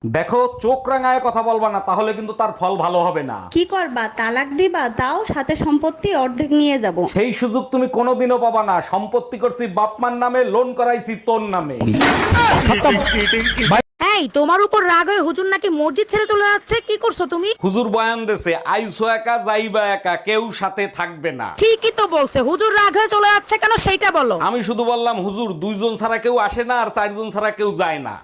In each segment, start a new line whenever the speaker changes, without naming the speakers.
দেখো, চোখ রাঙায় কথা বলবা না, তাহলে কিন্তু তার ফল ভালো হবে না।
কি করবা, তালাক দিবা? তাও সাথে সম্পত্তি অর্ধেক নিয়ে যাব।
সেই সুযোগ তুমি কোনোদিনও পাবা না। সম্পত্তি করছি বাপমার নামে, লোন করাইছি তোর নামে।
এই তোমার উপর রাগ হয়ে হুজুর নাকি মসজিদ ছেড়ে চলে যাচ্ছে, কি করছো তুমি?
হুজুর বয়ান দেছে, আইসো একা যাইবা একা, কেউ সাথে থাকবে না।
ঠিকই তো বলছে, হুজুর রাগ হয়ে চলে যাচ্ছে কেন সেইটা বলো।
আমি শুধু বললাম হুজুর, 2 জন ছাড়া কেউ আসে না, আর 4 জন ছাড়া কেউ যায় না।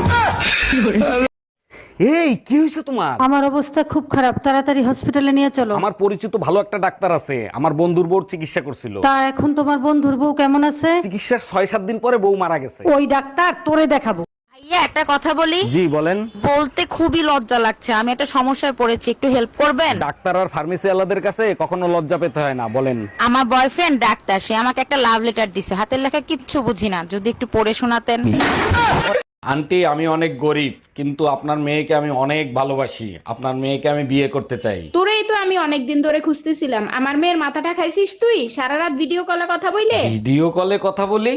এই কি হয়েছে তোমার?
আমার অবস্থা খুব খারাপ, তাড়াতাড়ি হসপিটালে নিয়ে চলো।
আমার পরিচিত ভালো একটা ডাক্তার আছে, আমার বন্ধুর বউর চিকিৎসা করছিল।
তা এখন তোমার বন্ধুর বউ কেমন আছে?
চিকিৎসার 6-7 দিন পরে বউ মারা গেছে।
ওই ডাক্তার তোরে দেখাবো।
ভাইয়া একটা কথা বলি,
জি বলেন।
বলতে খুবই লজ্জা লাগছে, আমি একটা সমস্যায় পড়েছি, একটু হেল্প করবেন?
ডাক্তার আর ফার্মেসি আলাদের কাছে কখনো লজ্জা পেতে হয় না, বলেন।
আমার বয়ফ্রেন্ড ডাক্তার, সে আমাকে একটা লাভ লেটার দিছে, হাতের লেখা কিচ্ছু বুঝি না, যদি একটু পড়ে শোনাতেন।
আন্টি, আমি অনেক গরিব, কিন্তু আপনার মেয়েকে আমি অনেক ভালোবাসি। আপনার মেয়েকে আমি বিয়ে করতে চাই।
তোরেই তো আমি অনেকদিন ধরে খুঁজতেছিলাম। আমার মেয়ের মাথাটা খাইছিস তুই সারা রাত ভিডিও কলে কথা বইলে।
ভিডিও কলে কথা বলি?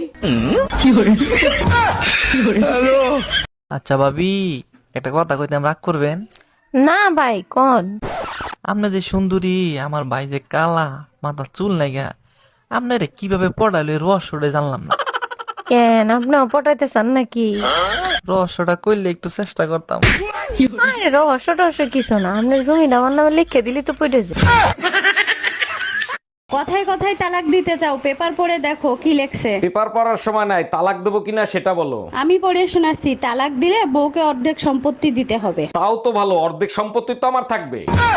আচ্ছা ভাবি, একটা কথা কইতাম, রাগ করবেন?
না ভাই কোন?
আপনি যে সুন্দরী, আমার ভাই যে কালা, মাথার চুল নাইগা, আপনারে কিভাবে পড়াইলো এই রহস্যটা জানলাম না।
কেন আপনিও পটাইতে চান নাকি?
রহস্যটা কইলে একটু চেষ্টা করতাম।
আরে রহস্য টহস্য কিছু না, আপনার জমিটা আমার নামে লিখে দিলি তো পড়ে যায়।
কথায় কথায় তালাক দিতে চাও, পেপার পড়ে দেখো কি লেখছে।
পেপার পড়ার সময় নাই, তালাক দেবো কিনা সেটা বলো।
আমি পড়ে শোনাচ্ছি, তালাক দিলে বউকে অর্ধেক সম্পত্তি দিতে হবে।
তাও তো ভালো, অর্ধেক সম্পত্তি তো আমার থাকবে।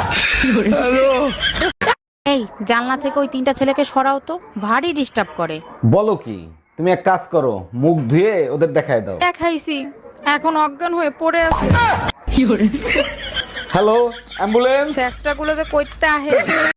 এই জানলা থেকে ওই 3টা ছেলেকে সরাও তো, ভারী ডিস্টার্ব করে।
বলো কি? তুমি এক কাজ করো, মুখ ধুয়ে ওদের দেখায় দাও।
দেখাইছি, এখন অজ্ঞান হয়ে পড়ে আছে।
Hello, ambulance.
চেষ্টা গুলো যে করতে আহে।